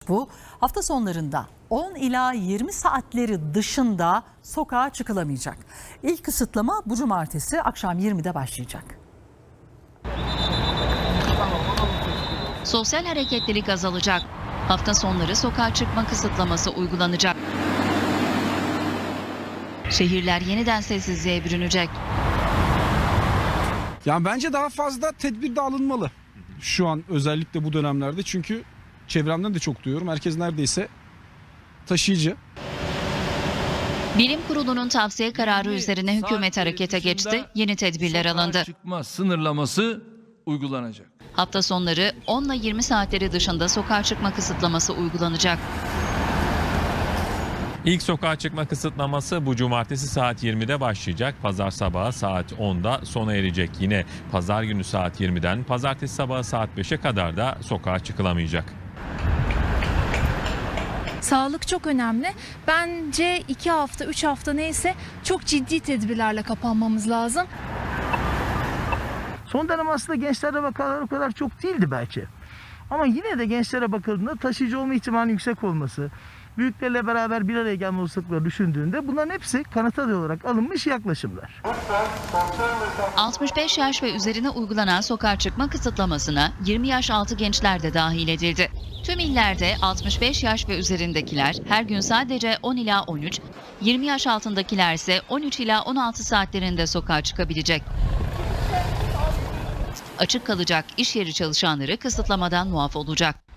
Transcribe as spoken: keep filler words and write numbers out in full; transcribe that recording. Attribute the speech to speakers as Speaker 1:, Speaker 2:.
Speaker 1: bu. Hafta sonlarında on ila yirmi saatleri dışında sokağa çıkılamayacak. İlk kısıtlama bu cumartesi akşam yirmide başlayacak.
Speaker 2: Sosyal hareketlilik azalacak. Hafta sonları sokağa çıkma kısıtlaması uygulanacak. Şehirler yeniden sessizliğe bürünecek.
Speaker 3: Yani bence daha fazla tedbir de alınmalı. Şu an özellikle bu dönemlerde, çünkü çevremden de çok duyuyorum. Herkes neredeyse taşıyıcı.
Speaker 2: Bilim Kurulu'nun tavsiye kararı üzerine hükümet harekete geçti. Yeni tedbirler alındı.
Speaker 4: Çıkma sınırlaması uygulanacak.
Speaker 2: Hafta sonları on ile yirmi saatleri dışında sokağa çıkma kısıtlaması uygulanacak.
Speaker 5: İlk sokağa çıkma kısıtlaması bu cumartesi saat yirmide başlayacak. Pazar sabahı saat onda sona erecek. Yine pazar günü saat yirmiden pazartesi sabahı saat beşe kadar da sokağa çıkılamayacak.
Speaker 6: Sağlık çok önemli. Bence iki hafta, üç hafta neyse çok ciddi tedbirlerle kapanmamız lazım.
Speaker 7: Son dönem aslında gençlere vakalar o kadar çok değildi belki. Ama yine de gençlere bakıldığında taşıyıcı olma ihtimalinin yüksek olması, büyüklerle beraber bir araya gelme olasılıkları düşündüğünde bunların hepsi kanıt adı olarak alınmış yaklaşımlar.
Speaker 2: altmış beş yaş ve üzerine uygulanan sokağa çıkma kısıtlamasına yirmi yaş altı gençler de dahil edildi. Tüm illerde altmış beş yaş ve üzerindekiler her gün sadece on ila on üç, yirmi yaş altındakiler ise on üç ila on altı saatlerinde sokağa çıkabilecek. Açık kalacak iş yeri çalışanları kısıtlamadan muaf olacak.